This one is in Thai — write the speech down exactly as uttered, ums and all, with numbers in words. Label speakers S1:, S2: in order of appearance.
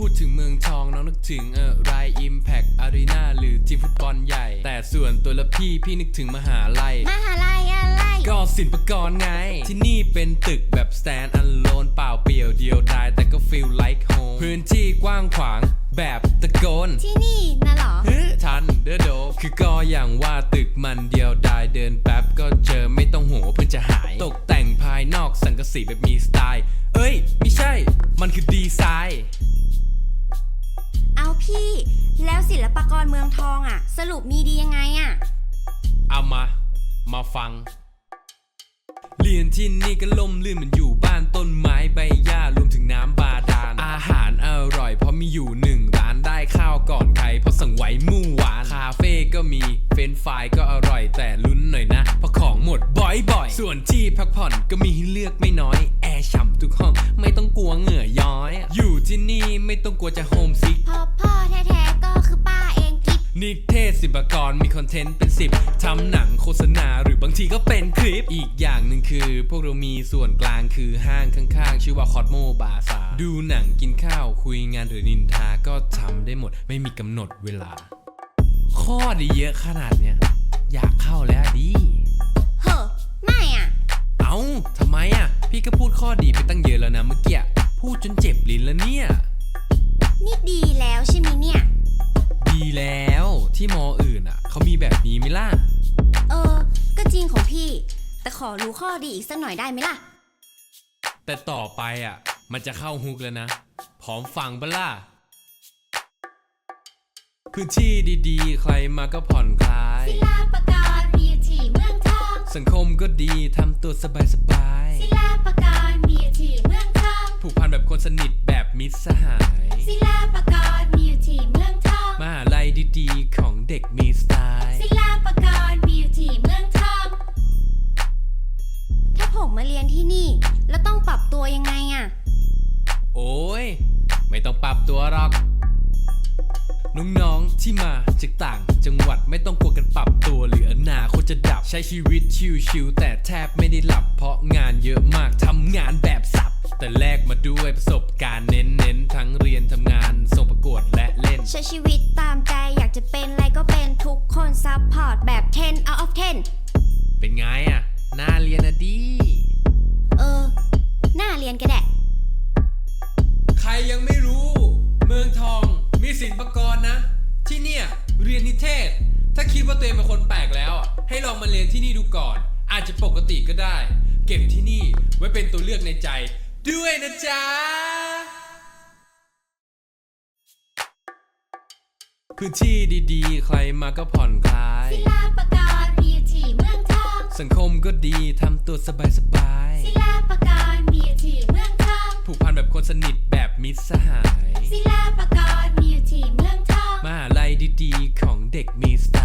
S1: ดถึงเมืองทองน้องนึกถึงอะไร Impact Arena หรือทีมฟุตบอลใหญ่แต่ส่วนตัวละพี่พี่นึกถึงมหาลัย
S2: มหาลัยอะไร
S1: ก็ศิลปากรไงที่นี่เป็นตึกแบบ stand alone เปล่าเปลี่ยวเดียวดายแต่ก็ feel like home พื้นที่กว้างขวางแบบตะโกน
S2: ที่นี่นะหรอ
S1: เฮ้ทันเด้อโดคือก็อย่างว่าตึกมันเดียวดายเดินแป๊บก็เจอไม่ต้องหัวเพื่อจะหายตกแต่งภายนอกสังกะสีแบบมีสไตล์เอ้ยไม่ใช่มันคือดีไซน์
S2: เอาพี่แล้วศิลปากรเมืองทองอ่ะสรุปมีดียังไงอ่ะ
S1: เอามามาฟังเรียนที่นี่ก็ล่มลื่นเหมือนอยู่บ้านต้นไม้ใบหญ้ารวมถึงน้ำบาดาลอาหารอร่อยเพราะมีอยู่หนึ่งร้านได้ข้าวก่อนใครเพราะสั่งไว้เมื่อวานคาเฟ่ก็มีเฟรนช์ฟรายก็อร่อยแต่ลุ้นหน่อยนะเพราะของหมดบ่อยๆส่วนที่พักผ่อนก็มีให้เลือกไม่น้อยแอร์ฉ่ำทุกห้องไม่ต้องกลัวเหงื่อย้อยอยู่ที่นี่ไม่ต้องกลัวจะโฮมซิก
S2: พ่อพ่อแท้ๆก็คือป้าเองกิ๊บ
S1: นิเทศศิลปากรมีคอนเทนต์เป็นสิบทำหนังโฆษณาหรือบางทีก็เป็นคลิปอีกอย่างหนึ่งคือพวกเรามีส่วนกลางคือห้างข้างๆชื่อว่าคอสโมบาซาดูหนังกินข้าวคุยงานหรือนินทาก็ทำได้หมดไม่มีกำหนดเวลาข้อดีเยอะขนาดเนี้ยอยากเข้าแล้วดิ
S2: เฮ้อไม่อ่ะ
S1: เอ้าทำไมอ่ะพี่ก็พูดข้อดีไปตั้งเยอะแล้วนะเมื่อกี้พูดจนเจ็บลิ้นแล้วเนี่ย
S2: นี่ดีแล้วใช่ไหมเนี่ย
S1: ดีแล้วที่มออื่นอ่ะเขามีแบบนี้ไหมล่ะ
S2: เออก็จริงของพี่แต่ขอรู้ข้อดีอีกสักหน่อยได้ไหมล่ะ
S1: แต่ต่อไปอ่ะมันจะเข้าฮุกแล้วนะพร้อมฟังปะล่ะพื้นที่ดีๆใครมาก็ผ่อนคลาย
S2: ศิลปากรมีอยู่ที่เมืองทอง
S1: สังคมก็ดีทำตัวสบาย
S2: ๆศิลปากรมีอยู่ที่เมืองทอง
S1: ผูกพันแบบคนสนิทแบบมิตรสหาย
S2: ศิลปากรมีอยู่ที่เมืองทอง
S1: มหาลัยดีๆของเด็กมีสไตล์
S2: ศิลปากรมีอยู่ที่เมืองทองถ้าผมมาเรียนที่นี่แล้วต้องปรับตัวยังไงอ่ะ
S1: โอ้ยไม่ต้องปรับตัวหรอกน้องๆที่มาจากต่างจังหวัดไม่ต้องกลัวกันปรับตัวหรืออนาคตจะดับใช้ชีวิตชิวๆแต่แทบไม่ได้หลับเพราะงานเยอะมากทำงานแบบสับแต่แลกมาด้วยประสบการณ์เน้นๆทั้งเรียนทำงานส่งประกวดและเล่น
S2: ใช้ชีวิตตามใจอยากจะเป็นอะไรก็เป็นทุกคนซัพพอร์ตแบบสิบ out of สิบ
S1: เป็นไงอ่ะน่าเรียนนะดี
S2: เออน่าเรียนก็ได้
S1: ใครยังไม่รู้เมืองทองมีศิลปากรนะที่เนี่ยเรียนนิเทศถ้าคิดว่าตัวเองเป็นคนแปลกแล้วให้ลองมาเรียนที่นี่ดูก่อนอาจจะปกติก็ได้เก็บที่นี่ไว้เป็นตัวเลือกในใจด้วยนะจ๊ะพื้นที่ดีๆใครมาก็ผ่อนคลาย
S2: ศิลปากรมีอยู่ที่เมืองทอง
S1: สังคมก็ดีทำตัวสบาย
S2: ๆศิลปากรมีอยู่ที่เมืองทอง
S1: ผูกพันแบบคนสนิทแบบมิตรสหาย
S2: ศิลปากรมีอยู่ที่เมืองทอง
S1: มหาลัยดีๆของเด็กมีสไต